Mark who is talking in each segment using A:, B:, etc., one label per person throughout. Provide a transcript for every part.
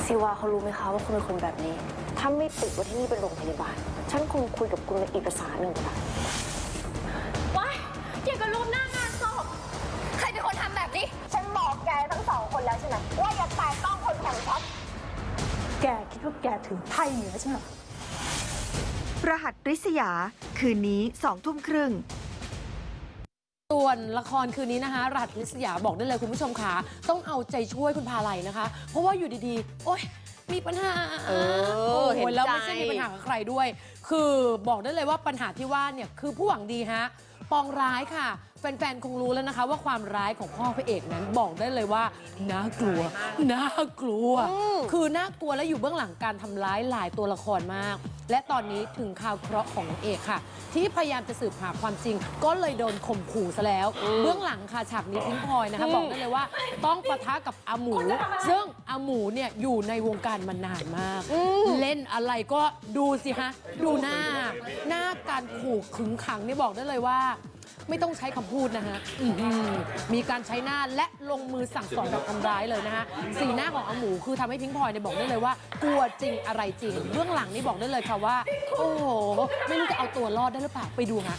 A: ซิวาเขารู้ไหมคะว่าคุณเป็นคนแบบนี้ถ้าไม่ติดว่าที่นี่เป็นโรงพยาบาลฉันคงคุยกับคุณในเอกสารหนึ่งค่ะว้ายเกี่ยวกับรูปหน้างานศพใครเป็นคนทำแบบนี้ฉันบอกแกทั้งสองคนแล้วใช่ไหมว่าอย่าแตะต้องคนของฉันแกคิดว่าแกถึงไพ่เหนือใช่ไหม
B: รหัสริษยาคืนนี้20:30
C: ส่วนละครคืนนี้นะคะรหัสริษยาบอกได้เลยคุณผู้ชมค่ะต้องเอาใจช่วยคุณพาไลนะคะ เพราะว่าอยู่ดีๆโอ๊ยมีปัญหาเห็นแล้วไม่ใช่มีปัญหากับใครด้วย คือบอกได้เลยว่าปัญหาที่ว่าเนี่ยคือผู้หวังดีฮะปองร้ายค่ะแฟนๆคงรู้แล้วนะคะว่าความร้ายของพ่อพระเอกนั้นบอกได้เลยว่าน่ากลัวน่ากลัวคือน่ากลัวและอยู่เบื้องหลังการทำร้ายหลายตัวละครมากและตอนนี้ถึงข่าวเคราะห์ของนางเอกค่ะที่พยายามจะสืบหาความจริงก็เลยโดนข่มขู่ซะแล้วเบื้องหลังค่ะฉากนี้พิงพลอยนะคะบอกได้เลยว่าต้องปะทะกับอาหมูซึ่งอาหมูเนี่ยอยู่ในวงการมานานมากเล่นอะไรก็ดูสิฮะดูหน้าการขู่ขึงขังนี่บอกได้เลยว่าไม่ต้องใช้คำพูดนะฮะมีการใช้หน้าและลงมือสั่งสอนแบบทำร้ายเลยนะฮะสีหน้าของอาหมูคือทำให้พิงพลอยเนี่ยบอกได้เลยว่ากลัวจริงอะไรจริงเบื้องหลังนี่บอกได้เลยค่ะว่าโอ้โหไม่รู้จะเอาตัวรอดได้หรือเปล่าไปดูฮะ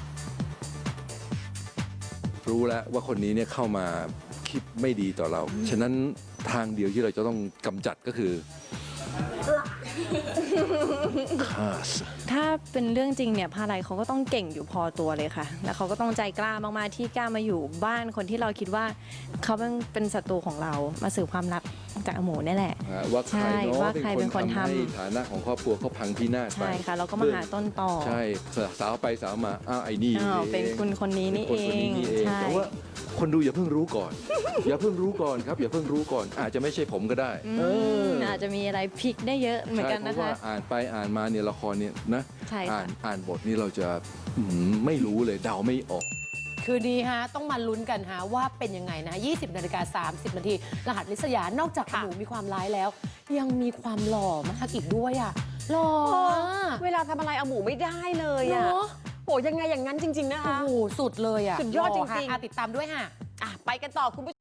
D: รู้แล้วว่าคนนี้เนี่ยเข้ามาคิดไม่ดีต่อเราฉะนั้นทางเดียวที่เราจะต้องกำจัดก็คือฆ่าซะ
E: ถ้าเป็นเรื่องจริงเนี่ยพาไลเขาก็ต้องเก่งอยู่พอตัวเลยค่ะ แล้วเขาก็ต้องใจกล้ามากๆที่กล้ามาอยู่บ้านคนที่เราคิดว่าเขาเป็นศัตรูของเรามาสืบความลับจากอาหมูนี่แหละ
D: ว่าใคร
E: ใช่
D: เนาะ
E: ว่าใครเป็นคนทำ
D: ให้ฐานะของครอบครัวเขาพังพินาศไป
E: ใช่ค่ะเราก็มาหาต้นต่อ
D: ใช่สาวไปสาวมาอ้าวไอ้นี่
E: เป็นคุณคนนี้นี่เอ
D: ป็คค
E: ง
D: นี่เอง
E: ใช่
D: แต่ว่าคนดูอย่าเพิ่งรู้ก่อน อย่าเพิ่งรู้ก่อนครับอย่าเพิ่งรู้ก่อนอาจจะไม่ใช่ผมก็ได้
E: อาจจะมีอะไรพลิกได้เยอะเหมือนกัน
D: ใช่
E: นะ
D: เพราะ
E: คะ
D: ว่าอ่านไปอ่านมาเนี่ยละครเนี่ยนะ
E: ใช่ค่ะ
D: อ่านบทนี่เราจะไม่รู้เลยเดาไม่ออก
C: คืนนี้ฮะต้องมาลุ้นกันฮะว่าเป็นยังไงนะ 20:30 นาทีรหัสริษยานอกจากอาหมูมีความร้ายแล้ว ยังมีความหล่อมากอีกด้วยอ่ะหล่อ
F: เวลาทำอะไรเอาหมูไม่ได้เลยอะ
C: เนาะ
F: โหยังไงอย่างนั้นจริง ๆ นะคะ
C: โอ้โหสุดเลยอ่ะ
F: สุดยอดจริงๆ
C: หล่ค่ะติดตามด้วยค่ะ
F: ไปกันต่อคุณผู้ชม